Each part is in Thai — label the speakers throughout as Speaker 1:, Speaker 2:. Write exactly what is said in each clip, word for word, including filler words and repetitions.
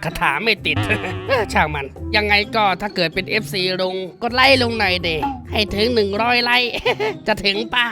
Speaker 1: คาถาไม่ติด ช่างมันยังไงก็ถ้าเกิดเป็น เอฟ ซี ลุงกดไลค์ลงหน่อยเดให้ถึงหนึ่งร้อยไลค์ จะถึงปะ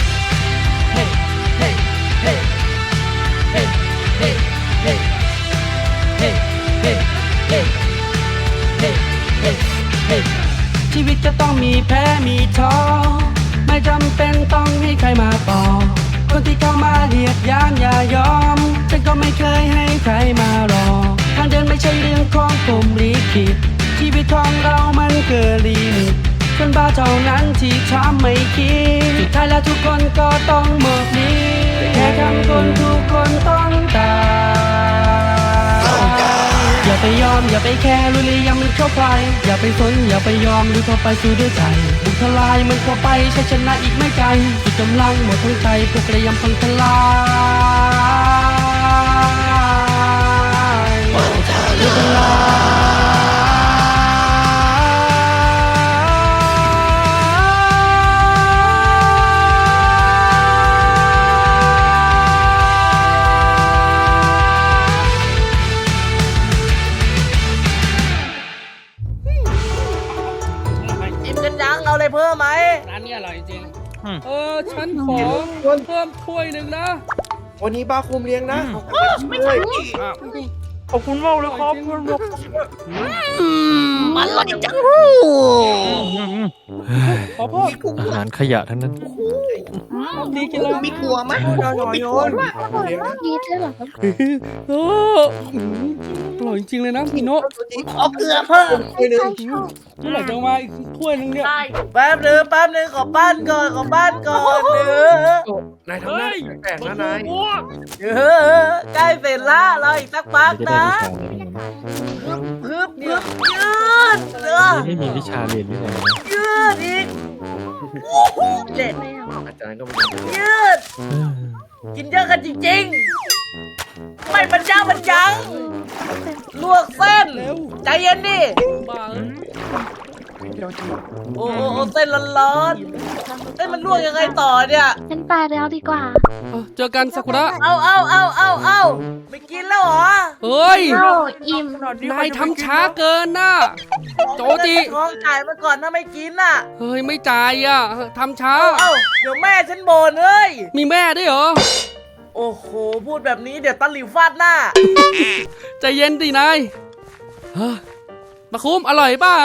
Speaker 1: ชีวิตจะต้องมีแพ้มีท้อไม่จำเป็นต้องให้ใครมาต่อคนที่เข้ามาเหยียดหยามอย่ายอมฉันก็ไม่เคยให้ใครมารอทางเดินไม่ใช่เรื่องของผมลิขิตชีวิตของเรามันเกินลิมิตคนบ้าเท่านั้นที่ทำไม่คิดสุดท้ายแล้วทุกคนก็ต้องหมดนี้แค่คำคนทุกคนต้องตายอย่าไปยอมอย่าไปแคร์ลุยเลยยังมันเข้าไปอย่าไปสนอย่าไปยอมลุยเข้าไปสู้ด้วยใจบุกทลายมันเข้าไปใช้ชนะอีกไม่ไกลสุดกำลังหมดทั้งใจพวกระยำพังทลายหมดทล
Speaker 2: เอาอะไรเพิ่มไหม
Speaker 1: ร้านนี้อร่อยจริง
Speaker 3: เออฉันขอเพิ่มถ้วยหนึ่งนะ
Speaker 4: วันนี้บาคุมเลี้ยงนะ
Speaker 2: ไม่ใช่
Speaker 3: ขอบคุณมากเลยครับ
Speaker 2: มันอร่อยจัง
Speaker 3: ขอโทษ
Speaker 5: อาหารขยะทั้งนั้น
Speaker 3: ดีกินแล้ว
Speaker 2: มีถั่วไหม
Speaker 4: น้อยน้อยโยนเลี้ยงนะ
Speaker 6: ดีด้วยเหรอครับ
Speaker 3: เอออร่อยจริงๆเลยนะพี่โน้
Speaker 2: ขอเกลือเพิ่ม
Speaker 4: ไปหนึ่ง
Speaker 3: เมื่อไหร่จะมาอีกถ้วยหนึงเนี่ย
Speaker 2: แป๊บนึงแป๊บนึงขอบ้านก่อนขอบ้านก่อนเนื้อน
Speaker 4: ายทำหน้าแปลกๆนะนาย
Speaker 2: เออใกล้เสร็จละเราอีกสักพัก
Speaker 5: จะได้
Speaker 2: นะ
Speaker 5: วิชาเรียน
Speaker 2: ฮึบฮึบยืดเออ
Speaker 5: ไม่มีวิชาเรียนที่ไหนนะ
Speaker 2: ยืดอีกเด็ด
Speaker 4: อาจารย์ก็ไม่
Speaker 2: ยืดกินเยอะกันจริงๆไม่บรรยังบรรยังลวกเส้นใจเย็นดิ
Speaker 3: บ้า
Speaker 2: โอ้โหเส้นร้อนๆเส้นมันลวกยังไงต่อเนี่ย
Speaker 6: ฉันไปแล้วดีกว่า
Speaker 3: เจอกันซากุระ
Speaker 2: เอาเอาเอาเอาเอาไม่กินแล้วเหรอ
Speaker 3: เฮ้ย
Speaker 6: โอ้อิ่ม
Speaker 3: นายทำช้าเกินน่ะ โจจิ
Speaker 2: ท้องจ่ายมาก่อนถ้าไม่กินน่ะ
Speaker 3: เฮ้ยไม่จ่ายอ่ะทำช้า
Speaker 2: เอาเอาเดี๋ยวแม่ฉันบ่นเอ้ย
Speaker 3: มีแม่ด้วยเหรอ
Speaker 2: โอ้โหพูดแบบนี้เดี๋ยวตะหลิวฟาดหน้า
Speaker 3: ใจเย็นดินายเฮ้ยมาคุ้มอร่อยเปล่า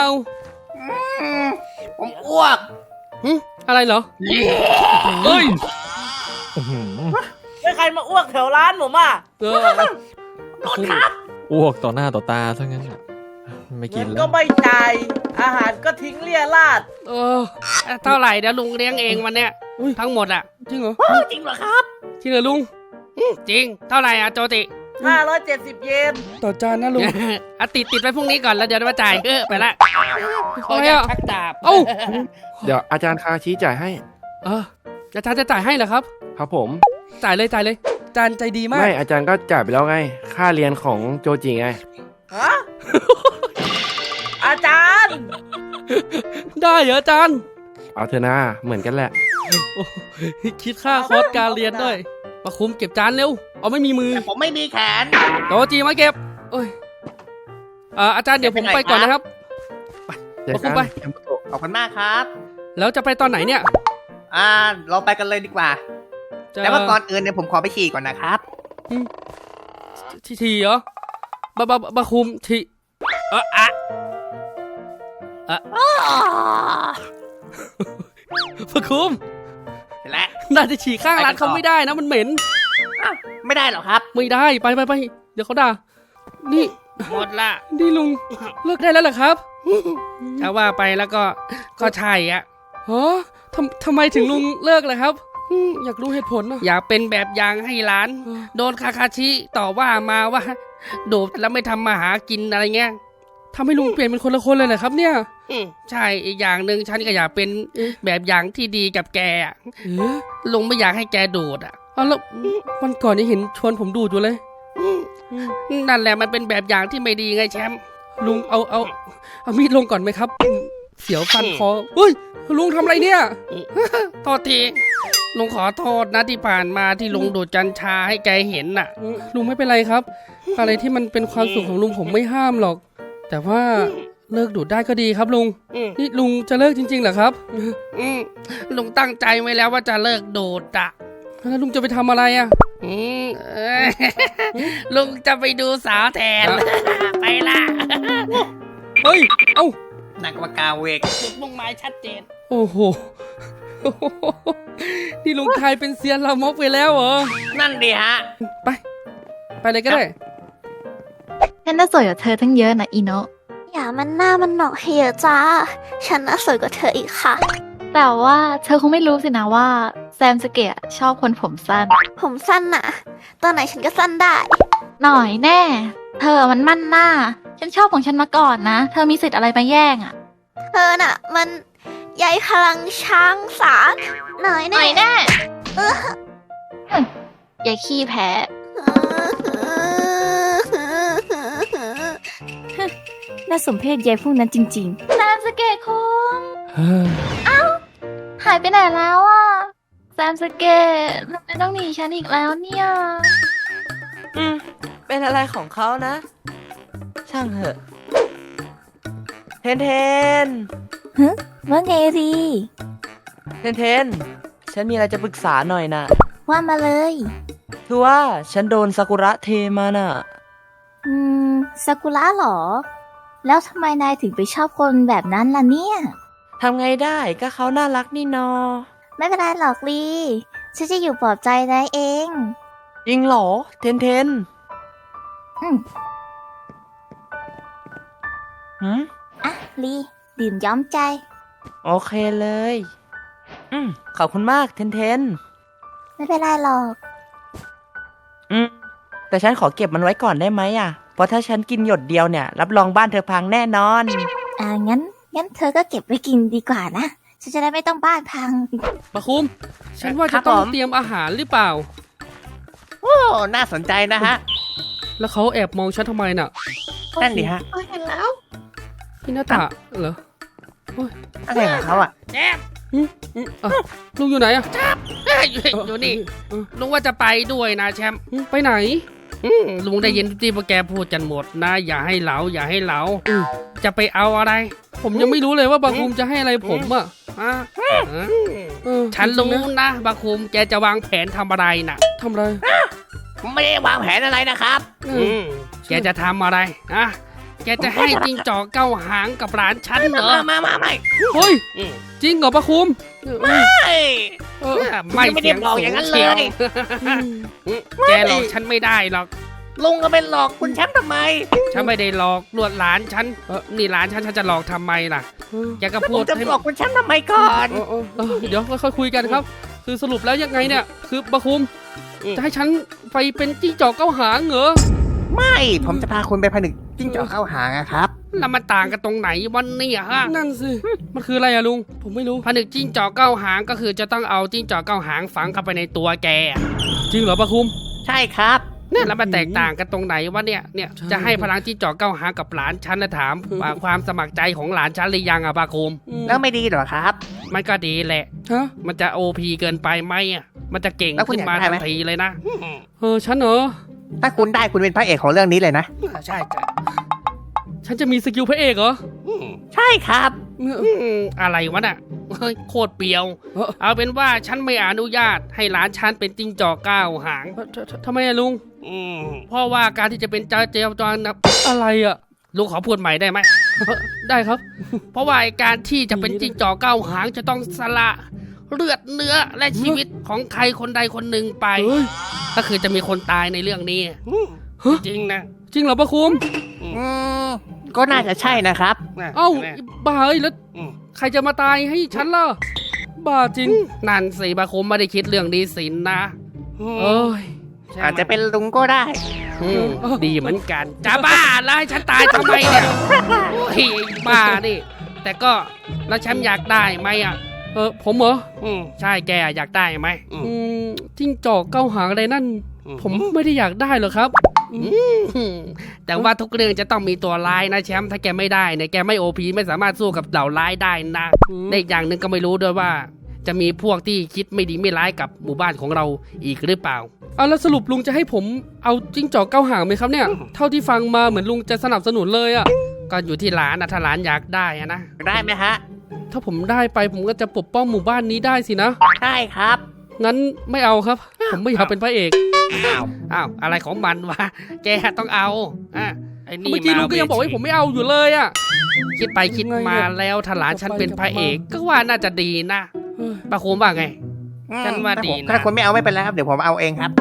Speaker 2: ผมอ้วก
Speaker 3: หึอะไรเหรอเฮ้ย
Speaker 5: อื้อหือ
Speaker 2: ไม่ใครมาอ้วกแถวร้านผมอ่ะ
Speaker 3: เออ
Speaker 2: โดนครับ
Speaker 5: อ้วกต่อหน้าต่อตาซะงั้นน่ะไม่กิ
Speaker 2: เงิ
Speaker 5: น
Speaker 2: น
Speaker 5: แล้
Speaker 2: ก็
Speaker 5: ว
Speaker 2: ไม่จ่ายอาหารก็ทิ้งเลี่ยราด
Speaker 3: เออ
Speaker 1: เท่าไหร่เดี๋ยวลุงเลี้ยงเองวันเนี้ย
Speaker 3: อุ๊ย
Speaker 1: ทั้งหมดอ่ะ
Speaker 3: จริงเหรอ
Speaker 2: จริงเหรอครับ
Speaker 3: จริงเหรอลุง
Speaker 1: อืมจริง เท่าไหร่อ่ะโจติ
Speaker 2: ห้าร้อยเจ็ดสิบเยน
Speaker 3: ต่อจานนะลุง
Speaker 1: อ่ะติดติดไปพรุ่งนี้ก่อนแล้วเดี๋ยวมาจ่ายเออไปละ
Speaker 3: อะไรอ่ะ
Speaker 1: ชักดาบ
Speaker 3: เอ้า
Speaker 4: เดี๋ยวอาจารย์คาชี้จ่ายให้
Speaker 3: เอออาจารย์จะจ่ายให้เหรอครับ
Speaker 4: ครับผม
Speaker 3: จ่ายเลยจ่ายเลยอาจารย์ใจดีมาก
Speaker 4: ไม่อาจารย์ก็จ่ายไปแล้วไง ค่าเรียนของโจจิไง
Speaker 2: ฮะ อาจารย์
Speaker 3: ได้เหรออาจารย์
Speaker 4: เอาเถอะนะเหมือนกันแหละ
Speaker 3: โอ้คิดค่าคอร์สการเรียนด้วยมาคุมเก็บจานเร็ว เอาไม่มีมือ
Speaker 2: ผมไม่มีแขน
Speaker 3: โตจีมาเก็บเอ้ยอ่าอาจารย์เดี๋ยวผมไปก่อนนะครับ
Speaker 4: เดี๋ยว
Speaker 3: เอาขึ้
Speaker 4: กัน
Speaker 3: ไป
Speaker 2: ขอบคุณมากครับ
Speaker 3: แล้วจะไปตอนไหนเนี่ย
Speaker 2: อ่า เราไปกันเลยดีกว่า
Speaker 3: จะ
Speaker 2: แต่ว่าก่อนอื่นเนี่ยผมขอไปฉี่ก่อนนะครับ
Speaker 3: ทีทีเหรอบะบะบะคุมทีเอออะอะบะคุม
Speaker 2: เห็นแล้ว
Speaker 3: น่าจะฉี่ข้างร้านเขาไม่ได้นะมันเหม็น
Speaker 2: ไม่ได้หรอครับ
Speaker 3: ไม่ได้ไปไปไปเดี๋ยวเขาด่านี่
Speaker 1: หมดละ
Speaker 3: นี่ลุงเลิกได้แล้วเหรอครับ
Speaker 1: ถ้าว่าไปแล้วก็ก็ใช่อ่ะ
Speaker 3: ฮะทำทำไมถึงลุงเลิกเลยครับอืมอยากรู้เหตุผลนะ
Speaker 1: อยากเป็นแบบอย่างให้หลาน
Speaker 3: เออ
Speaker 1: โดนคาคาชิต่อว่ามาว่าโดดแล้วไม่ทำมาหากินอะไรเงี้ย
Speaker 3: ทำให้ลุงเปลี่ยนเป็นคนละคนเลยเหรอครับเนี่ย
Speaker 1: อืมใช่อีกอย่างหนึ่งฉันก็อยากเป็นแบบอย่างที่ดีกับแกอะ
Speaker 3: เอ๊ะ
Speaker 1: ลุงไม่อยากให้แกโดดอ่ะ
Speaker 3: เอาแล้ววันก่อนนี่เห็นชวนผมดูดอยู่เลย
Speaker 1: อืมนั่นแหละมันเป็นแบบอย่างที่ไม่ดีไงแชมป์
Speaker 3: ลุงเอาเอาเอามีดลงก่อนไหมครับ เสียวฟันคอเฮ้ยลุงทำอะไรเนี่ย
Speaker 1: โทษที
Speaker 3: เลุงขอโทษนะที่ผ่านมาที่ลุงดูดกัญชาให้แกเห็นน่ะ ลุงไม่เป็นไรครับ อะไรที่มันเป็นความสุขของลุงผมไม่ห้ามหรอก แต่ว่าเลิกดูดได้ก็ดีครับลุง นี่ลุงจะเลิกจริงๆเหรอครับอืมลุงตั้งใจไว้แล้วว่าจะเลิกดูดอ่ะแล้วลุงจะไปทำอะไรอ่ะอืมเอ้ยลุงจะไปดูสาวแทน ไปละ เฮ้ย เอ้า
Speaker 2: นักวากาเวก
Speaker 3: จุดมุ่งหมายชัดเจน โอ้โห นี่ลุงทายเป็นเซียนลามกไปแล้วเหรอ
Speaker 2: นั่นดิฮะ
Speaker 3: ไป ไปเลยก็ได้
Speaker 6: ฉันน่าสวยกว่าเธอทั้งเยอะนะอีโนะ
Speaker 7: อย่ามันหน้ามันหนอกให้เยอะจ้า ฉันน่าสวยกว่าเธออีกค่ะ
Speaker 6: แต่ว่าเธอคงไม่รู้สินะว่าแซมสเกะชอบคนผมสั้น
Speaker 7: ผมสั้นน่ะ ตอนไหนฉันก็สั้นได้
Speaker 6: หน่อยแน่ เธอมันมั่นหน้า ฉันชอบของฉันมาก่อนนะ เธอมีสิทธิ์อะไรมาแย่งอ่ะ
Speaker 7: เธอน่ะ มันใยพลังช้างสารหน่อย
Speaker 6: หน่
Speaker 7: แน่
Speaker 6: อยแน่อย่าขี้แพ้
Speaker 7: น่าสมเพชยายพวกนั้นจริง
Speaker 6: แซมสเกะคุงหายไปไหนแล้วอ่ะแซมสเกะทำไมต้องหนีฉันอีกแล้วเนี่ย
Speaker 2: อืม เป็นอะไรของเขานะ ช่างเหอะ เทนเทน
Speaker 7: ๆ ว่าไงรี
Speaker 2: เทนเทน ฉันมีอะไรจะปรึกษาหน่อยนะ
Speaker 7: ว่ามาเลย
Speaker 2: คือว่าฉันโดนซากุระเทมาน่ะ
Speaker 7: อืมซากุระเหรอ แล้วทำไมนายถึงไปชอบคนแบบนั้นล่ะเนี่ย
Speaker 2: ทำไงได้ก็เขาน่ารักนี่นอ
Speaker 7: ไม่เป็นไรหรอกลีฉันจะอยู่ปลอบใจนายเอง
Speaker 2: จริงเหรอ เทนเทน
Speaker 7: อืม
Speaker 2: หืม
Speaker 7: อ่ะลีดื่มย้อมใจ
Speaker 2: โอเคเลย อืม ขอบคุณมากเทนเทน
Speaker 7: ไม่เป็นไรหรอก
Speaker 2: อืม แต่ฉันขอเก็บมันไว้ก่อนได้ไหมอ่ะ เพราะถ้าฉันกินหยดเดียวเนี่ย รับรองบ้านเธอพังแน่นอน
Speaker 7: อ่างั้น งั้นเธอก็เก็บไว้กินดีกว่านะ ฉันจะได้ไม่ต้องบ้านพัง
Speaker 3: ปะคุม ฉันว่า
Speaker 2: ครั
Speaker 3: จะ
Speaker 2: บ
Speaker 3: ต้อง
Speaker 2: ผม
Speaker 3: เตรียมอาหารหรือเปล่า
Speaker 2: โอ้ น่าสนใจนะฮะ
Speaker 3: แล้วเขาแอบมองฉันทำไมน่ะ
Speaker 2: นั่นดิฮะ
Speaker 7: โอ้ยเห็นแล้ว
Speaker 3: พี่นาตะเหรอ
Speaker 2: อะไรของเขาอ่ะ
Speaker 3: แอบอ่ะลุงอยู่ไหนอ่ะอยู่อยู่นี่ ลุงว่าจะไปด้วยนะแชมป์ไปไหนอืมลุงได้ยินที่พวกแกพูดกันหมดนะ อย่าให้เหลาอย่าให้เหลาจะไปเอาอะไร ผมยังไม่รู้เลยว่าบาคุมจะให้อะไรผมอ่ะอ่ะเออฉันรู้นะบาคุมแกจะวางแผนทำอะไรน่ะทำอะไร
Speaker 2: ไม่ได้วางแผนอะไรนะครับ
Speaker 3: อืมแกจะทำอะไรอ่ะแกจะให้จิ้งจอกเก้าหางกับร้านฉันเหรอ
Speaker 2: มามาไม่
Speaker 3: เฮ้ยจริงเหรอปะคุม
Speaker 2: ไม่
Speaker 3: เออไม่
Speaker 2: ไม่ได้บอกอย่างนั้นเลย
Speaker 3: แกหลอกฉันไม่ได้หรอก
Speaker 2: ลุงก็เป็นหลอกคุณแชมป์ทำไม
Speaker 3: ฉันไม่ได้หลอกลวดหลานฉันนี่หลานฉันฉันจะหลอกทำไมล่ะแกก็พู
Speaker 2: ผ
Speaker 3: ด
Speaker 2: มจะ
Speaker 3: ให้
Speaker 2: หลอกคุณแชมป์ทำไมก่อน
Speaker 3: เออเออเออเดี๋ยวค่อยๆคุยกันครับ คือสรุปแล้วยังไงเนี่ยคือบะคุมจะให้ฉันไปเป็นจิ้งจอกเก้าหางเหรอ
Speaker 8: ไม่ ผมจะพาคุณไปผนึกจิ้งจอกเข้าหางอะครับ
Speaker 3: แล้วมันต่างกันตรงไหนวันนี้ฮะนั่นสิมันคืออะไรอะลุงผมไม่รู้ผนึกจิ้งจอกเก้าหางก็คือจะต้องเอาจิ้งจอกเก้าหางฝังเข้าไปในตัวแกจริงเหรอปะคุม
Speaker 8: ใช่ครับ
Speaker 3: เนี่ยแล้วมันแตกต่างกันตรงไหนวะเนี่ยเนี่ยจะให้พลังจิ้งจอกเก้าหางกับหลานฉันนะถามว่าความสมัครใจของหลานฉันหรือยังอะปะคุม
Speaker 8: แล้วไม่ดีเหรอครับ
Speaker 3: มันก็ดีแหละมันจะโอพีเกินไปไหมอะมันจะเก่ง
Speaker 8: แล้วคุณ
Speaker 3: ขึ้นมา
Speaker 8: อยากได้
Speaker 3: ทั
Speaker 8: ไหม
Speaker 3: นทีเลยนะเออฉันเหรอ
Speaker 8: ถ้าคุณได้คุณเป็นพระเอกของเรื่องนี้เลยนะ
Speaker 3: ใช่จ้ะฉันจะมีสกิลพระเอกเหรอ
Speaker 8: ใช่ครับ
Speaker 3: อืมอะไรวะน่ะเฮ้ยโคตรเปรียว เอาเป็นว่าฉันไม่อนุญาตให้หลานฉันเป็นจิ้งจอกเก้าหางทำไมอะลุงเพราะว่าการที่จะเป็นเจ้าเจ้าจอนนะอะไรอะลุงขอพูดใหม่ได้ไหม ได้ครับ เพราะว่าการที่จะเป็นจิ้งจอกเก้าหางจะต้องสละเลือดเนื้อและชีวิตของใครคนใดคนหนึ่งไป ก็คือจะมีคนตายในเรื่องนี้จริงนะจริงเหรอปะคุม
Speaker 8: อืม ก็น่าจะใช่นะครับ
Speaker 3: เอ้าบ้าเอ้ยแล้วใครจะมาตายให้ฉันล่ะบ้าจริงนั่นสิปะคุมไม่ได้คิดเรื่องดีสินนะเอ้ย
Speaker 8: อาจจะเป็นลุงก็ได้
Speaker 3: อืมดีเหมือนกันจะบ้าแล้วให้ฉันตายทำไมเนี่ยโอ้ยบ้าดิแต่ก็แล้วฉันอยากได้ไหมอ่ะเออผมเหรออืมใช่แกอยากได้ไหมอืมจิ้งจอกเก้าหางอะไรนั่น ผมไม่ได้อยากได้หรอกครับแต่ว่าทุกเรื่องจะต้องมีตัวร้ายนะแชมป์ถ้าแกไม่ได้เนี่ยแกไม่โอพีไม่สามารถสู้กับเหล่าร้ายได้นะในอย่างหนึ่งก็ไม่รู้ด้วยว่าจะมีพวกที่คิดไม่ดีไม่ร้ายกับหมู่บ้านของเราอีกหรือเปล่า
Speaker 1: เอาแล้วสรุปลุงจะให้ผมเอาจิ้งจอกเก้าหางไหมครับเนี่ย เท่าที่ฟังมาเหมือนลุงจะสนับสนุนเลยอะ
Speaker 3: ก็อยู่ที่หลานนะถ้าหลานอยากได้อะนะ
Speaker 8: ได้ไหมฮะ
Speaker 1: ถ้าผมได้ไปผมก็จะปกป้องหมู่บ้านนี้ได้สินะ
Speaker 8: ได้ครับ
Speaker 1: งั้นไม่เอาครับ ผมไม่อยากเป็นพระเอก
Speaker 8: อ้าว
Speaker 3: อ้าวอะไรของมันวะแกต้องเอาอ่ะไอ้นี่
Speaker 1: เมื่อกี้ลุงก็ยังบอกให้ผมไม่เอาอยู่เลยอะ
Speaker 3: คิดไปคิดมาแล้วถ้าหลานฉันเป็นพระเอกก็ว่าน่าจะดีนะป้าโคมว่าไง ฉันว่าดีนะ
Speaker 8: ถ้าคนไม่เอาไม่เป็นไรครับ เดี๋ยวผมเอาเองครับ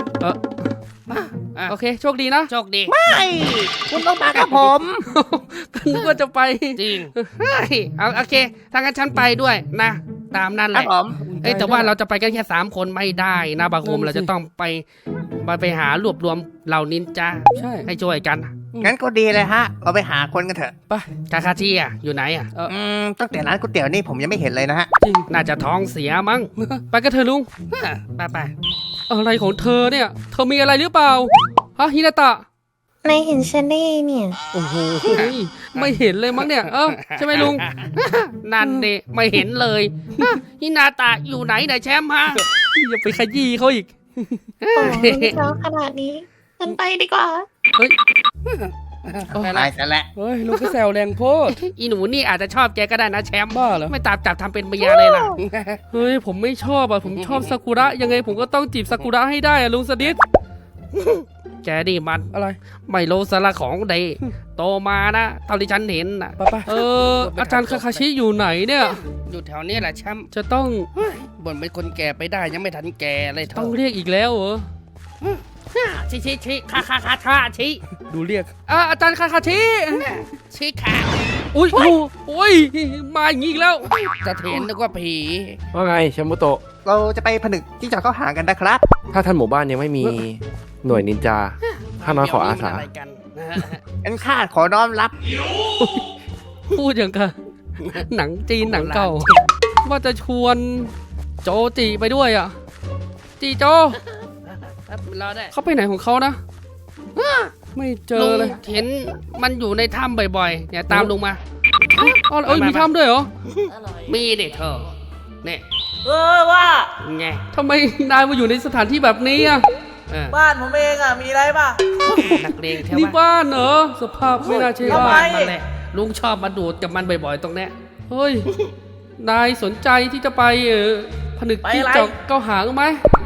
Speaker 1: โอเคโชคดีนะ
Speaker 3: โชคดี
Speaker 8: ไม่ คุณต้องมากับผม
Speaker 1: ก็นึกว่าจะไป
Speaker 3: จริงเฮ้ยเอาโอเคถ้างั้นฉันไปด้วยนะตามนั้นแห
Speaker 8: ครับ
Speaker 3: ละ
Speaker 8: ผม
Speaker 3: เอ้ยแต่ว่าเราจะไปกันแค่สามคนไม่ได้นะบาโคม
Speaker 1: นั่นสิ
Speaker 3: เราจะต้องไปไปไปหารวบรวมเหล่านินจา
Speaker 1: ใช่
Speaker 3: ให้ช่วยกัน
Speaker 8: งั้นก็ดีเลยฮะ เราไปหาคนกันเถอะ
Speaker 1: ไป
Speaker 3: คาคาชิอ่ะอยู่ไหนอ่ะ
Speaker 8: อืม ตั้งแต่ร้านก๋วยเตี๋ยวนี่ผมยังไม่เห็นเลยนะฮะ
Speaker 1: จริง
Speaker 3: น่าจะท้องเสียมั้ง
Speaker 1: ไปกันเถอะลุง
Speaker 3: ไปไป
Speaker 1: อะไรของเธอเนี่ย เธอมีอะไรหรือเปล่า ฮะฮินาตะ
Speaker 7: นายเห็นฉันได้เนี่ย
Speaker 1: โอ้โหไม่เห็นเลยมั้งเนี่ย เออใช่ไหมลุง
Speaker 3: นั่นเดไม่เห็นเลยฮินาตะอยู่ไหนเนี่ยแชมป์ฮะ
Speaker 1: อย่าไปขยี้เขาอีก
Speaker 7: โอ้ยเช้าขนาดนี้ฉันไปดีกว่า
Speaker 1: เฮ้ย
Speaker 3: ไป
Speaker 8: ตา
Speaker 3: ละ
Speaker 8: ยซะแล้ว
Speaker 1: เฮ้ยลุงก็แซวแรงโพด
Speaker 3: อีหนูนี่อาจจะชอบแกก็ได้นะแชมป์
Speaker 1: บ้าเหรอ
Speaker 3: ไม่ตามจับทำเป็นเมียเลยล่ะ
Speaker 1: เฮ้ยผมไม่ชอบอ่ะ ผมชอบซากุระ ยังไงผมก็ต้องจีบซากุระให้ได้อ่ะลุงสดิษ
Speaker 3: แกนี่มัน
Speaker 1: อะไร
Speaker 3: ไม่รู้สาระของใดโตมานะเท่าที่ฉันเห็นนะ
Speaker 1: ไปไปเอออาจารย์คาคาชิอยู่ไหนเนี่ย
Speaker 3: อยู่แถวนี้แหละแชมป์
Speaker 1: จะต้อง
Speaker 3: บ่นเป็นคนแก่ไปได้ยังไม่ทันแก่เลยเธ
Speaker 1: ต้อ
Speaker 3: อง
Speaker 1: เรียกอีกแล้วเหรอ
Speaker 3: ชิชิชิคาคาคาชาชิ
Speaker 1: ดูเรียกอ่ะอาจารย์คาคาชิ
Speaker 3: ชิคา
Speaker 1: อุ้ยโอ้โอ้ยมาอย่างงี้อีกแล้ว
Speaker 3: จะเทนนึกว่าผี
Speaker 4: ว่าไงแชมปุโตะ
Speaker 8: เราจะไปผนึกจิ้งจอกเข้าหางกันนะครับ
Speaker 4: ถ้าท่านหมู่บ้านยังไม่มีหน่วยนินจาข้าน้อยขออาสา
Speaker 3: เดี๋ยวนี้มันอะไรกัน
Speaker 8: งั้นข้าขอน้อมรับ
Speaker 1: พูดอย่างกับหนังจีนหนังเก่า ว่าจะชวนโจจีไปด้วยอ่ะ จีโจ
Speaker 3: ครับรอได้
Speaker 1: เขาไปไหนของเขานะ ไม่เจอเลย
Speaker 3: ลุงเห็นมันอยู่ในถ้ำบ่อยๆเนี่ยตามลุงมา
Speaker 1: อ๋อเอ้ยมีถ้ำด้วยเหรอ
Speaker 3: มีเด็กเธอเนี่ย
Speaker 2: เออว่า
Speaker 3: ไง
Speaker 1: ทำไมนายมาอยู่ในสถานที่แบบนี้อ่ะ
Speaker 3: เออ
Speaker 2: บ้านผมเองอ่ะ มีอะไรป่ะ
Speaker 3: นักเลงแถว
Speaker 1: นี่
Speaker 3: บ้าน
Speaker 1: บ้านเหรอ สภาพไม่น่าเชื่อ
Speaker 2: ทำไม
Speaker 3: บ้านมันแหละลุงชอบมาดูดกับมันบ่อยๆตรงเนี้ย
Speaker 1: เฮ้ย นายสนใจที่จะไปเออผนึก
Speaker 2: ไป
Speaker 1: จิ้ง
Speaker 2: อะไร
Speaker 1: จอกเก้าหางไหม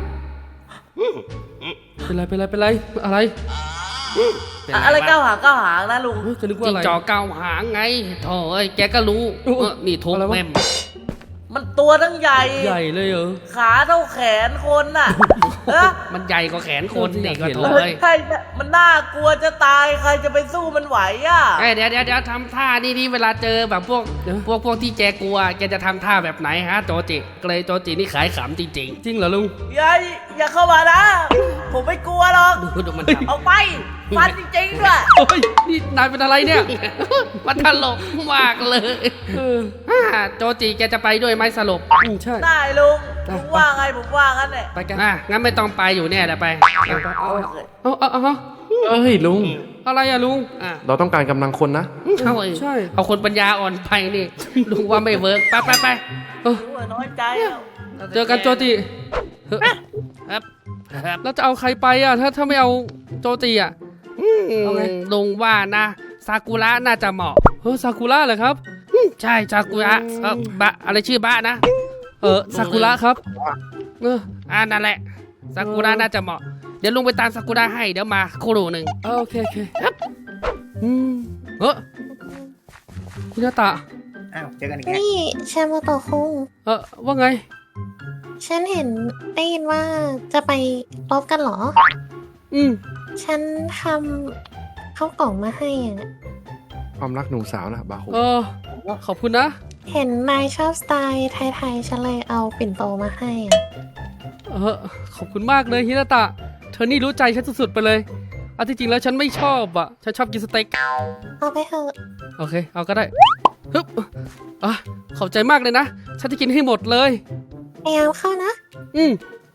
Speaker 1: เป็นไรเป็นไรเป็นไรอะไร
Speaker 3: เป็น
Speaker 2: อะอะไร
Speaker 3: ว
Speaker 2: ก้าวหางก้าวหางนะลุง
Speaker 1: เฮ้ยจะนึกว่า
Speaker 3: จิ
Speaker 1: อะ
Speaker 3: ง
Speaker 1: ไร
Speaker 3: จอกเก้าหางไงโถ่เอ้ยแกก็รู้
Speaker 1: โอ้โห
Speaker 3: เออนี่ทุบ
Speaker 1: อะไรวะ
Speaker 3: แม่ม
Speaker 2: มันตัวทั้งใหญ่
Speaker 1: ใหญ่เลยเหรอ
Speaker 2: ขาเท่าแขนคนน่ะเออ
Speaker 3: มันใหญ่กว่าแขนคน
Speaker 1: เออที่
Speaker 3: นี่
Speaker 1: อยาก
Speaker 3: ก็
Speaker 1: เห็น
Speaker 3: โถ่
Speaker 1: แล้ว
Speaker 3: เอ้ย
Speaker 2: ใช่มันน่ากลัวจะตายใครจะไปสู้มันไหวอ่ะ
Speaker 3: เอ้ยเดี๋ยวเดี๋ยวเดี๋ยวทำท่านี่นี่เวลาเจอแบบพวก
Speaker 1: เดี๋ยว
Speaker 3: พวกพวกที่แกกลัวแกจะทำท่าแบบไหนฮะโจจิเกรย์โจจินี่ขายขำจริง
Speaker 1: จริงเหรอลุง
Speaker 2: อย่าอย่าเข้ามานะ ผมไม่กลัวหรอก
Speaker 3: ๆดูดูมันท
Speaker 2: เอาไปฟันจริงๆด้วย
Speaker 1: โอ้ยนี่นายเป็นอะไรเนี่ย
Speaker 3: ำมันตลกมากเลย
Speaker 1: เออ
Speaker 3: อ่าโจจิแกจะไปด้วยไหมสรุป
Speaker 1: อืมใช่
Speaker 2: ได้ลุงลุงว่าไงผมว่างั้นแหละ
Speaker 1: ไปกัน
Speaker 3: อ่ะงั้นไม่ต้องไปอยู่เนี่ยเดี๋ยวไป
Speaker 1: เอาเอาเอาเอา
Speaker 4: เอ้ยลุง
Speaker 1: อะไรอะลุง
Speaker 3: อ่ะ
Speaker 4: เราต้องการกำลังคนนะ
Speaker 3: เอาไอ้
Speaker 1: ใช่
Speaker 3: เอาคนปัญญาอ่อนไปนี่ลุงว่าไม่เวิร์กไปไปไป
Speaker 1: เออ
Speaker 2: รู้ว่าน้อยใจแล้ว
Speaker 1: เจอกันโจจิเฮ้ย
Speaker 3: ครับครับ
Speaker 1: แล้วจะเอาใครไปอะถ้าถ้าไม่เอาโจจิอะ เอาไง
Speaker 3: ลุงว่านะซากุระน่าจะเหมาะ
Speaker 1: เฮ้ยซากุระเหรอครับ
Speaker 3: ใช่ซากุระเออบะอะไรชื่อบะนะ
Speaker 1: เออซากุระครับ เออ
Speaker 3: อ่านั่นแหละซากุระน่าจะเหมาะเดี๋ยวลุงไปตามซากุระให้เดี๋ยวมาครู่หนึ่ง
Speaker 1: เอาโอเคโอเคอืมเออคุณนาตะ
Speaker 8: อ้าว เจอกันอีกแล้ว
Speaker 7: นี่แชมโตะคุง
Speaker 1: เออว่าไง
Speaker 7: ฉันเห็นได้ยินว่าจะไปรบกันเหรอ
Speaker 1: อืม
Speaker 7: ฉันทำข้าวกล่องมาให้อ่ะ
Speaker 4: ความรักหนุ่มสาวนะบาโค
Speaker 1: เออขอบคุณนะ
Speaker 7: เห็นนายชอบสไตล์ไทยๆ ฉันเลยเอาปิ่นโตมาให้อ่ะ
Speaker 1: เออขอบคุณมากเลยฮินาตะ เธอนี่รู้ใจฉันสุดๆไปเลยเอาที่จริงแล้วฉันไม่ชอบอ่ะ ฉันชอบกินสเต็ก
Speaker 7: เอาไปเถอะ
Speaker 1: โอเค เอาก็ได้ฮึบอ่ะขอบใจมากเลยนะ ฉันจะกินให้หมดเลย
Speaker 7: พยายามเข้านะ
Speaker 1: อืม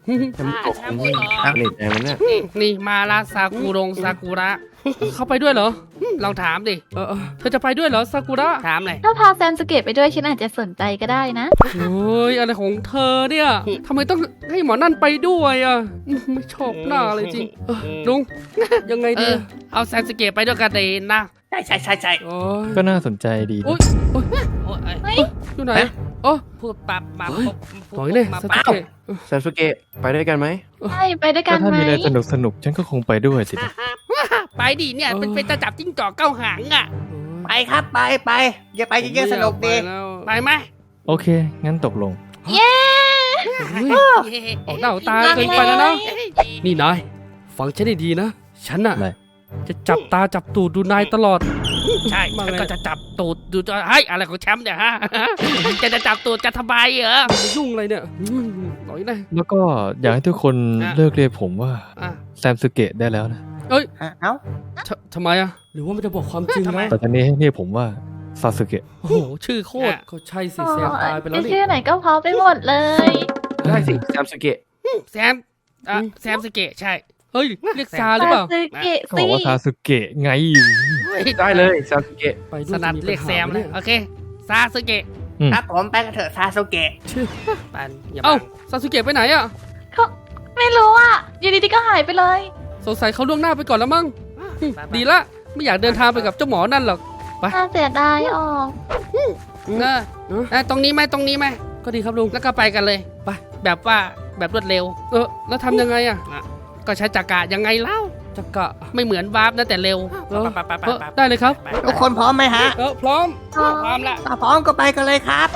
Speaker 4: แชมป์ตก
Speaker 3: แชมป์
Speaker 4: นี่
Speaker 3: เหรอ
Speaker 4: สนิทใจมันเนี่ย
Speaker 3: นี่มาลาซากุรงซากุระ เขาไปด้วยเหรอ ลองถามดิ
Speaker 1: เออเออ
Speaker 3: เธอจะไปด้วยเหรอซากุระ ถามเลย
Speaker 6: ถ้าพาแซมสเกตไปด้วยฉันอาจจะสนใจก็ได้นะ
Speaker 3: โอ้ยอะไรของเธอเนี่ยทำไมต้องให้หมอนั่นไปด้วยอ่ะไม่ชอบหน้าเลยจริงเออลุง
Speaker 1: ยังไง
Speaker 3: เอ
Speaker 1: ดี
Speaker 3: อเอาแซนสเกตไปด้วยกันเลยนะ
Speaker 2: ใช่ใช่ใช่ใช่
Speaker 1: โอ้ย
Speaker 5: ก็น่าสนใจดี
Speaker 1: โอ้
Speaker 5: นะ
Speaker 1: ยโอ้ย
Speaker 3: โอ้ย
Speaker 6: เฮ้ย
Speaker 1: อยู่ไหนอ๋อ
Speaker 3: พูดปับมา
Speaker 1: เฮ้ย
Speaker 3: พูด
Speaker 1: ถอยเลย
Speaker 3: มา
Speaker 1: ส
Speaker 3: ปับ
Speaker 1: เกต
Speaker 4: แซมสุเกะไปด้วยกันไหม
Speaker 6: ใช่ไปด้วยกั
Speaker 5: ก็
Speaker 6: น
Speaker 5: ถ้า
Speaker 6: ไหม
Speaker 5: มีอะไรสนุกสนุกๆฉันก็คงไปด้วยสินะ
Speaker 3: ไปดิเนี่ยเป็นเป็นจะจับจิ้งจอกเก้าหางอ่ะ
Speaker 2: ไปครับไปไปอย่าไปเยอะๆสนุกดี
Speaker 1: ไม่อยาไปแล้ว
Speaker 3: ไปไหม
Speaker 5: โอเค งั้นตกลง
Speaker 6: เย้
Speaker 1: เฮ้ยออกหน้าออกตาเกินไปแล้วนะ นี่นาย ฟังฉันให้ดีนะ ฉันน่ะ
Speaker 5: อะไร
Speaker 1: จะจับตาจับตูดดูนายตลอด
Speaker 3: ใช่
Speaker 1: มา
Speaker 3: ฉัน
Speaker 1: ไง
Speaker 3: ก็จะจับตูดดูจะเฮ้ยอะไรของแชมป์เนี่ยฮะ จะจะจับตูดกันทำไมเหรอ
Speaker 1: จะยุ่งอะไรเนี่ยอืมหน่อยนะ
Speaker 5: แล้วก็อยากให้ทุกคน
Speaker 3: อ่ะ
Speaker 5: เลิกเรียกผมว่า
Speaker 3: อ่ะ
Speaker 5: แซมสุเกะได้แล้วนะ
Speaker 2: ฮะเอ้า
Speaker 1: ททำไมอะหรือว่ามันจะบอกความจริง
Speaker 3: ทำไม
Speaker 1: นะ
Speaker 5: แต่ตอนนี้ให้เรียกผมว่าซาสึเกะ
Speaker 1: โอ้โห ชื่อโคตร ก็ใช่สิแซมตายไปแล้วนี่
Speaker 6: ชื่อไหนก็พอไปหมดเลย
Speaker 4: ได้สิแซมสุเกะ
Speaker 3: แซมอ่ะแซมสเกตใช่
Speaker 1: เฮ้ย เรียกซาหรือเปล่า
Speaker 6: ซาสึเกะ
Speaker 5: เขาบ
Speaker 6: สิ
Speaker 5: อกว่าซาสึเกะไง
Speaker 4: ได้เลยแซมสุเกะ
Speaker 1: ไปด้
Speaker 3: ส
Speaker 1: วย
Speaker 3: นัด
Speaker 1: จะมี
Speaker 3: เรียก
Speaker 1: ปัญ
Speaker 3: แซ
Speaker 1: หาม ไห
Speaker 3: เลย
Speaker 1: นี่
Speaker 3: โอเคซาสเกะ
Speaker 2: ครับผมไปกันเถอะซาโซเกะ
Speaker 3: ปันอย่า
Speaker 1: เอ้า
Speaker 3: บัง
Speaker 1: ซาสุเกะไปไหนอะ
Speaker 6: เขาไม่รู้อ่ะอยู่ดีๆก็หายไปเลย
Speaker 1: สงสัยเขาล่วงหน้าไปก่อนแล้วมั้งอืมดีละ ไม่อยากเดินทางไปกับเจ้าหมอนั่นหรอก
Speaker 6: น่าเสียดายออก
Speaker 3: เออเออตรงนี้ไหมตรงนี้ไหม
Speaker 1: ก็ดีครับลุง
Speaker 3: แล้วก็ไปกันเลย
Speaker 1: ไป
Speaker 3: แบบว่าแบบรวดเร็ว
Speaker 1: เออ แล้วทำยังไงอะ
Speaker 3: ก็ใช้จักระยังไงเล่า
Speaker 1: จักกะ
Speaker 3: ไม่เหมือนวาร์ปนะแต่เร็ว
Speaker 1: เออ
Speaker 3: ไปไปไป
Speaker 1: เออ
Speaker 3: ไป
Speaker 1: ได้เลยครับ
Speaker 3: ไป
Speaker 2: ทุกคนพร้อมไหมฮะ
Speaker 1: เออ พร้อม
Speaker 3: พร้อมละ
Speaker 2: ถ้าพร้อมก็ไปกันเลยครับ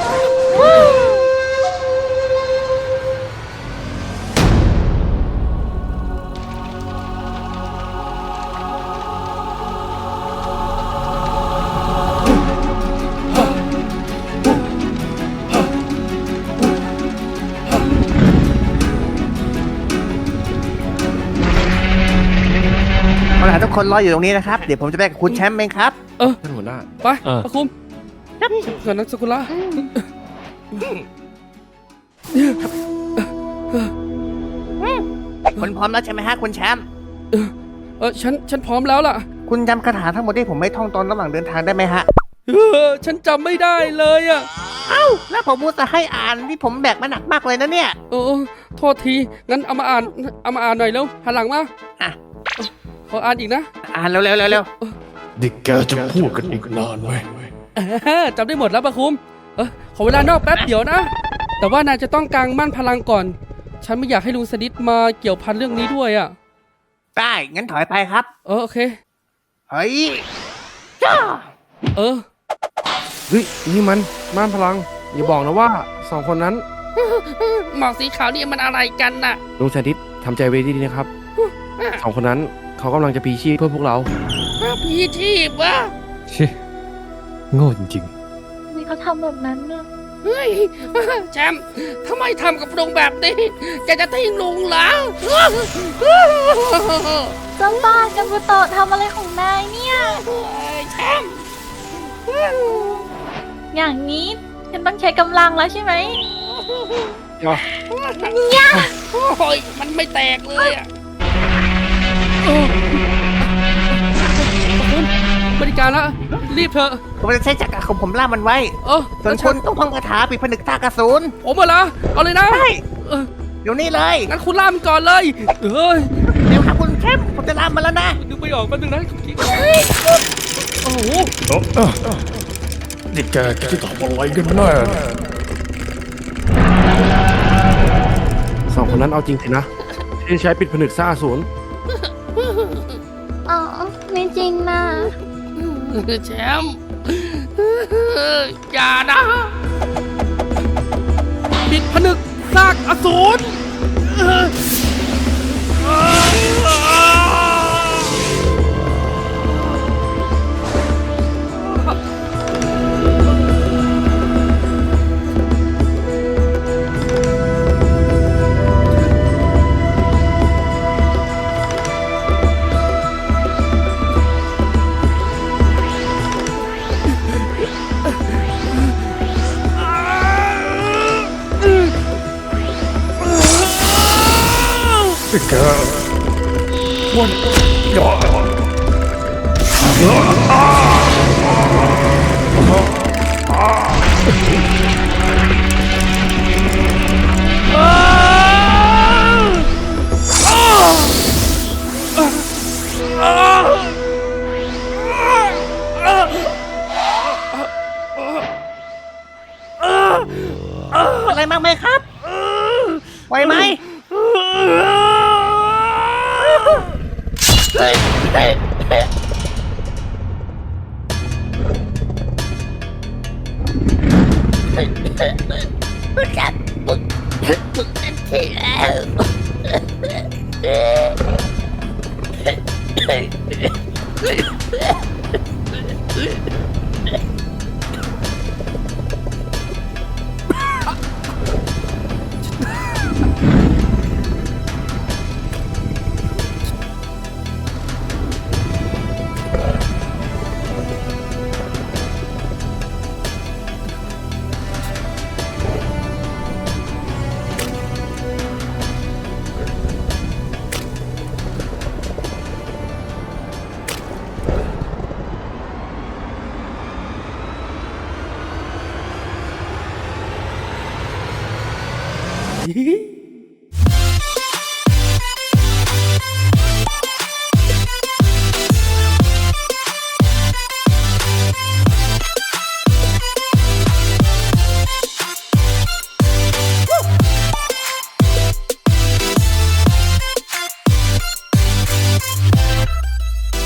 Speaker 2: เอาล่ะทุกคนรออยู่ตรงนี้นะครับ เดี๋ยวผมจะไปกับคุณแชมป์เองครับ
Speaker 4: ท่านหัวหน้า
Speaker 1: ไป
Speaker 5: เออ
Speaker 1: ปะคุมเกิดนักสกุละ
Speaker 2: คุณพร้อมแล้วใช่ไหมฮะคุณแชมป์
Speaker 1: เออ ฉัน ฉันพร้อมแล้วล่ะ
Speaker 2: คุณจำคาถาทั้งหมดที่ผมไม่ท่องตอนระหว่างเดินทางได้ไหมฮะ
Speaker 1: เออ ฉันจำไม่ได้เลยอะ
Speaker 2: เอ้า แล้วผมพูดจะให้อ่านที่ผมแบกมาหนักมากเลยนะเนี่ย
Speaker 1: เออ โทษที งั้นเอามาอ่าน เอามาอ่านหน่อยเร็ว หันหลังมา
Speaker 2: อ่ะ
Speaker 1: ขออ่านอีกนะ
Speaker 2: อ่านเร็วๆเร็วๆเร็ว
Speaker 5: ดิแกจะพูดกันอีกนานไหม
Speaker 1: เออจำได้หมดแล้วปะคุม เออขอเวลานอกแป๊บเดี๋ยวนะ แต่ว่านายจะต้องกางมั่นพลังก่อน ฉันไม่อยากให้ลุงสดิษมาเกี่ยวพันเรื่องนี้ด้วยอ่ะ
Speaker 2: ได้ งั้นถอยไปครับ
Speaker 1: เออโอเค
Speaker 2: เฮ้ยจ้า
Speaker 1: เออ
Speaker 4: เฮ้ย นี่มันม่านพลัง อย่าบอกนะว่าสองคนนั้น
Speaker 3: หมอกสีขาวนี่มันอะไรกันน่ะ
Speaker 4: ลุงแซนดิสทำใจไว้ดีๆนะครับ สองคนนั้นเขากำลังจะพีชีพเพื่อพวกเรา
Speaker 3: พี่ชีพวะ
Speaker 5: ชิโง่จริง
Speaker 6: มีเขาทำแบบนั้นเนี่ย
Speaker 3: เฮ้ยแชมป์ทำไมทำกับลุงแบบนี้จะจะทิ้งลุงเหรอ
Speaker 6: เจ้าบ้านกันบุโตะทำอะไรของนายเนี่ย
Speaker 3: แชมป์
Speaker 6: อย่างนี้ฉันต้องใช้กำลังแล้วใช่ไหม
Speaker 3: โอ้ยมันไม่แตกเลยอ่ะ
Speaker 1: บริการละรีบเถอะ
Speaker 2: ผมจะใช้จักรของผมล่ามันไว้
Speaker 1: เออ
Speaker 2: ส่วนคุณต้องท่องคาถาปิดผนึกตากระสุน
Speaker 1: ผมเหรอเอาเลยนะ
Speaker 2: ได้
Speaker 1: เออ
Speaker 2: เดี๋ยวนี้เลย
Speaker 1: งั้นคุณล่ามันก่อนเลยเอ้ย
Speaker 2: เดี๋ยวครับคุณแชมป์ผมจะล่ามันแล้วนะ
Speaker 1: นึกไม่ออกแป๊บนึงนะคิดก่อนโอ้โห
Speaker 5: ดิแกจะทำอะไรกันแน่
Speaker 4: สองคนนั้นเอาจริงสินะ ที่ใช้ปิดผนึกซ่าศูนย์
Speaker 6: อ๋อ ไม่จริงนะ
Speaker 3: แชมป์อย่านะ
Speaker 1: ปิดผนึกซากอสูร
Speaker 5: แกวันยอ
Speaker 8: อะไรมากไหมครับ ไหวไหม
Speaker 1: ฮิฮิ